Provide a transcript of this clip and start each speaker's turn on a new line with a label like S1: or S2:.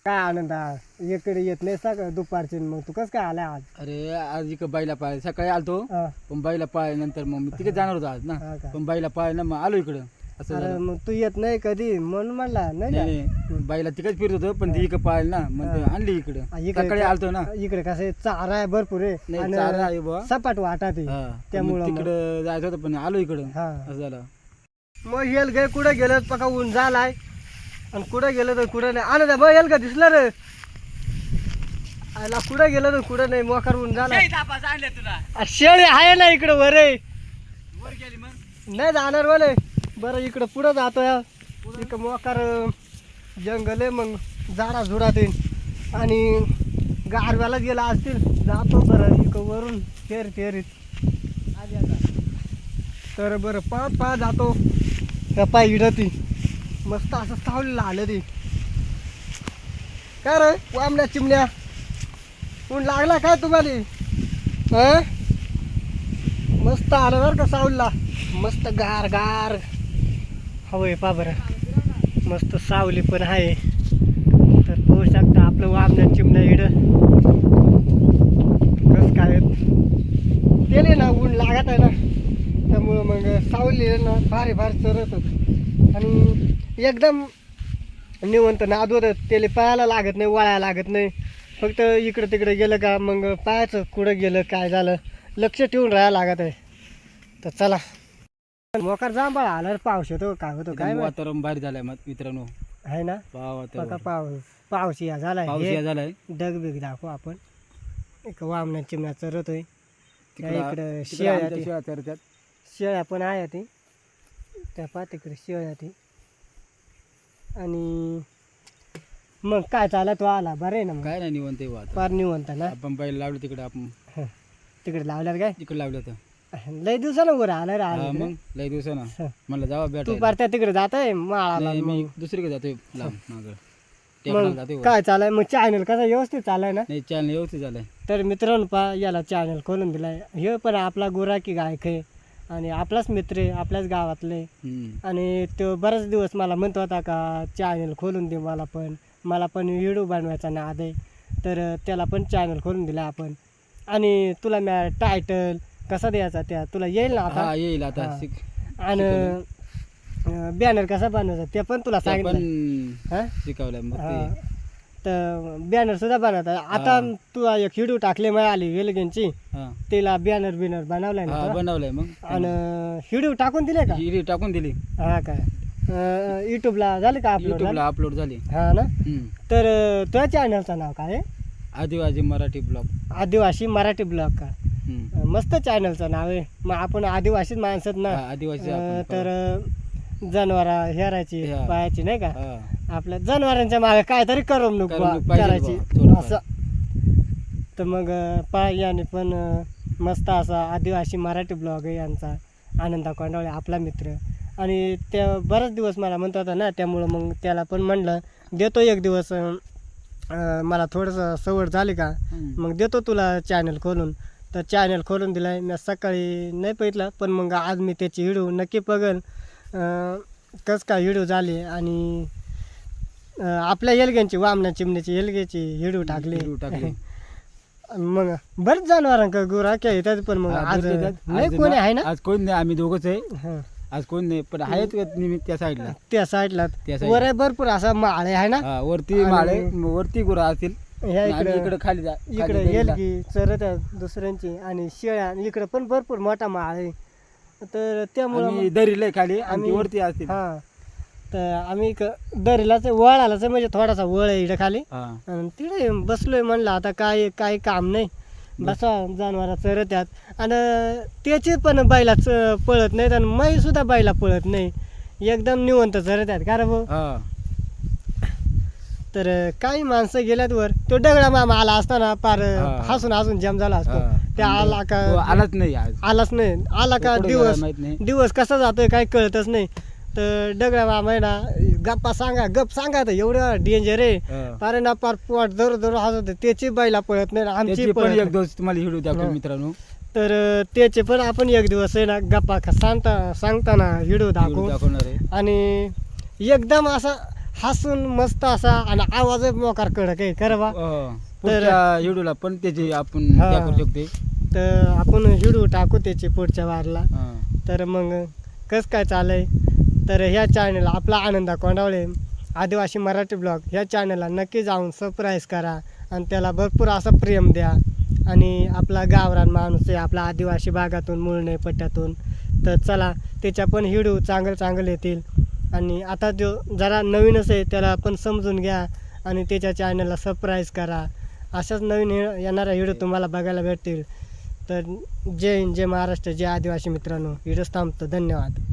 S1: काय आनंद इकडे येत नाही सकाळ दुपारची मग तू कसं काय आलाय आज?
S2: अरे आज इकडं बाईला पाय सकाळी आलतो
S1: हा.
S2: पण बाईला पाय नंतर मग मी तिकडे जाणार होतो आज ना
S1: हा का?
S2: पण बाईला पाय ना मग आलो इकडं असं
S1: अरे
S2: झालं.
S1: मग तू येत नाही कधी म्हणून म्हणला नाही
S2: नाही
S1: का?
S2: नाही, बाईला तिकडेच फिरत होतो पण ती इकडं पाहिलं ना मग ते आणली इकडं
S1: इकडे
S2: सकाळी आलतो ना.
S1: इकडे कसं आहे, चारा आहे भरपूर आहे
S2: नाही चारा आहे बुवा.
S1: सपाट वाटा ते
S2: हा,
S1: त्यामुळं मग.
S2: तिकडं जायचं होतं पण आलो इकडं
S1: हा.
S2: असं झालं.
S1: मग येल गे कुठं गेलं पका ऊन झालाय आणि कुठं गेलं तर कुठं नाही आनंद मग येल का दिसलं रे आला कुठं गेलं तर कुठं नाही मोकार ऊन झाला शेळी आहे ना इकडं वर आहे. नाही जाणार बोले बरं इकडं पुढं जातोय इकडं मोकार जंगल आहे मग झाडा झुडात येईल आणि गारव्याला गेला असतील जातो बरं इकडं वरून फेरीत आली आता तर बरं पाच जातो त्या पाय इडती मस्त असं सावलीला आलं ते काय रे वामण्या चिमण्या ऊन लागला काय तुम्हाला हा मस्त आलं बरं का सावलीला मस्त गार गार हवंय पा बरं मस्त सावली पण आहे तर पाहू शकता आपलं वामण्या चिमण्या इड कस काय तेले ना ऊन लागत आहे ना त्यामुळं मग सावली ना भारी चरत होत आणि एकदम निवंत नाद होतं त्याला पायाला लागत नाही वळायला लागत नाही फक्त इकडं तिकडे गेलं का मग पायाचं कुठं गेलं काय झालं लक्ष ठेवून राहायला लागत आहे तर चला मोकार जांभळा आला रे, पाऊस येतो काय होतो काय माहित.
S2: वातावरण भारी झालंय मग मित्रांनो.
S1: आहे ना बघा पाऊस या झालाय
S2: पाऊस
S1: हे
S2: या झालाय
S1: डगबिग दाखवू आपण एक वामण्या चिमण्या चरतोय
S2: तिकडं
S1: इकडं
S2: आमच्या शेळ्या चरत्यात.
S1: शेळ्या पण आहे ती त्या पा तिकडे शेळ्या ती आणि मग काय चालला तो आला बरं आहे ना मग
S2: काय नाही निवंत आहे वातावरण.
S1: फार निवंत ना
S2: आपण बाईला लावलं तिकडे आपण
S1: तिकडे लावल्यात काय
S2: तिकडे लावलं होतं.
S1: लय दिवसानं वर आलं रे
S2: हा
S1: आलं
S2: मग लय दिवसानं
S1: हं.
S2: म्हणलं जावा
S1: तू
S2: भेटायला.
S1: पार तिकडे जात आहे माळाला
S2: नाही, मी
S1: मग.
S2: दुसरीकडे जातोय लांब मागं टेकडाला जातोय वर.
S1: काय चालाय मग चॅनल कसा व्यवस्थित चालाय ना
S2: नाही चॅनल व्यवस्थित झालंय.
S1: तर मित्रांनो पा याला चॅनल खोलून दिलाय हे पण आपला गुराखी गायक आहे आणि आपलाच मित्र आहे आपल्याच गावातले आणि तो बराच दिवस मला म्हणत होता का चॅनल खोलून दे मला पण व्हिडिओ बनवायचा नाद आहे तर त्याला पण चॅनल खोलून दिला आपण आणि तुला मी टायटल कसा द्यायचा त्या तुला येईल ना आता
S2: हा येईल आता
S1: हा.
S2: शिक
S1: आणि बॅनर कसा बनवायचा ते पण तुला
S2: ते पण
S1: सांगितलं हा?
S2: शिकवलंय मग
S1: हा.
S2: ते
S1: तर बॅनर सुद्धा बनवता आता तू एक व्हिडिओ टाकले मग आली वेलगेनची
S2: हा
S1: तिला बॅनर बिनर बनवलाय ना
S2: हा
S1: तुला?
S2: बनवलंय मग
S1: आणि व्हिडिओ टाकून दिले का
S2: हिरी टाकून दिली
S1: हा काय युट्यूबला झाले का अपलोड
S2: युट्यूबला अपलोड झाली.
S1: हा ना तर तुझ्या चॅनलचं नाव काय आहे?
S2: आदिवासी मराठी ब्लॉग.
S1: आदिवासी मराठी ब्लॉग का मस्त चॅनलचं नाव आहे मग आपण आदिवासीच माणसात ना
S2: आदिवासी
S1: तर जनावरा हेरायची
S2: हा.
S1: पायाची नाही का
S2: हा.
S1: आपल्या जनावरांच्या मागे काहीतरी करमणूक
S2: करमणूक पाहिजे
S1: करायची
S2: बुवा, थोडंफार.
S1: असं तर मग याने पण मस्त असा आदिवासी मराठी ब्लॉग आहे यांचा आनंदा कोंडावळे आपला मित्र आणि त्या बराच दिवस मला म्हणत होता ना त्यामुळं मग त्याला पण म्हणलं देतो एक दिवस मला थोडंसं सवड झाली का मग देतो तुला चॅनल खोलून तर चॅनल खोलून दिलाय मी सकाळी नाही बघितलं पण मग आज मी त्याची व्हिडिओ नक्की बघेल कसं काय व्हिडिओ झाली आणि आपल्या येलग्यांची वामना चिमण्याची येलग्याची व्हिडिओ टाकली मग बरेच जनावरांक गुराख्या येतात पण मग आज नाही कोणी आहे ना
S2: आज कोण नाही आम्ही दोघंच आहे.
S1: हं.
S2: आज कोण नाही पण आहेत निमित्त त्या साईडला.
S1: त्या साईडला
S2: त्या side
S1: वर आहे भरपूर असा माळे आहे ना
S2: हा वरती माळे वरती गुरं असतील
S1: ह्या
S2: आणि
S1: इकडे
S2: इकडे खाली
S1: इकडे येलगी चरत आहे दुसऱ्यांची आणि शेळ्या आणि इकडे पण भरपूर मोठा माळ आहे तर त्यामुळं
S2: दरीला खाली आम्ही
S1: आम्ही-
S2: वरती असतील.
S1: हा तर आम्ही दरीलाच वळ आलाच म्हणजे थोडासा वळ आहे इकडे खाली
S2: हा
S1: आणि तिकडे बसलोय म्हणलं आता काही काम नाही बसा जनावरा चरत्यात आणि त्याचे पण बैला पळत नाहीत आणि मै सुद्धा बैला पळत नाही एकदम निवंत चरत्यात कारण भाऊ
S2: हा
S1: तर काही माणसं गेल्यात वर तो दगडा मामा आला असताना पार
S2: हा.
S1: हसून जाम झाला असतो
S2: हा.
S1: त्या आला
S2: तो
S1: का
S2: आलाच नाही आज.
S1: आलाच नाही आला का
S2: तो कुठे गेला
S1: दिवस
S2: माहित नाही.
S1: दिवस कसा जातोय काही कळतच नाही तर दगडा मामा आहे ना गप्पा गप सांगा तर एवढं डेंजर आहे
S2: हा.
S1: पारे ना पार पोट जरूर हसत त्याची बैला पळत नाही आमची
S2: त्याची पण
S1: पळत
S2: एक
S1: नाही.
S2: दिवस तुम्हाला व्हिडिओ दाखवतो मित्रांनो.
S1: तर त्याचे पण आपण एक दिवस आहे ना गप्पा सांगताना व्हिडिओ दाखवू
S2: दाखवणार आहे.
S1: आणि एकदम असा हसून मस्त असा आणि आवाज मोकार कडक आहे खरं बा.
S2: पुढच्या व्हिडिओला पण त्याची आपण
S1: हा.
S2: त्या करू शकते.
S1: तर आपण व्हिडिओ टाकू त्याची पुढच्या वारला.
S2: हा.
S1: तर मग कसं काय चालय, तर ह्या चॅनल आपला आनंदा कोंडावळे आदिवासी मराठी ब्लॉग ह्या चॅनलला नक्की जाऊन सबस्क्राईब करा आणि त्याला भरपूर असं प्रेम द्या. आणि आपला गावरान माणूस आहे, आपला आदिवासी भागातून मुळणे पट्ट्यातून. तर चला त्याच्या पण व्हिडिओ चांगले येतील. आणि आता जो जरा नवीनच आहे त्याला पण समजून घ्या आणि त्याच्या चॅनलला सबस्क्राईब करा. अशाच नवीन येणाऱ्या व्हिडिओ तुम्हाला बघायला भेटतील. तर जय हिंद, जय महाराष्ट्र, जय आदिवासी मित्रांनो. व्हिडिओ थांबतो. धन्यवाद.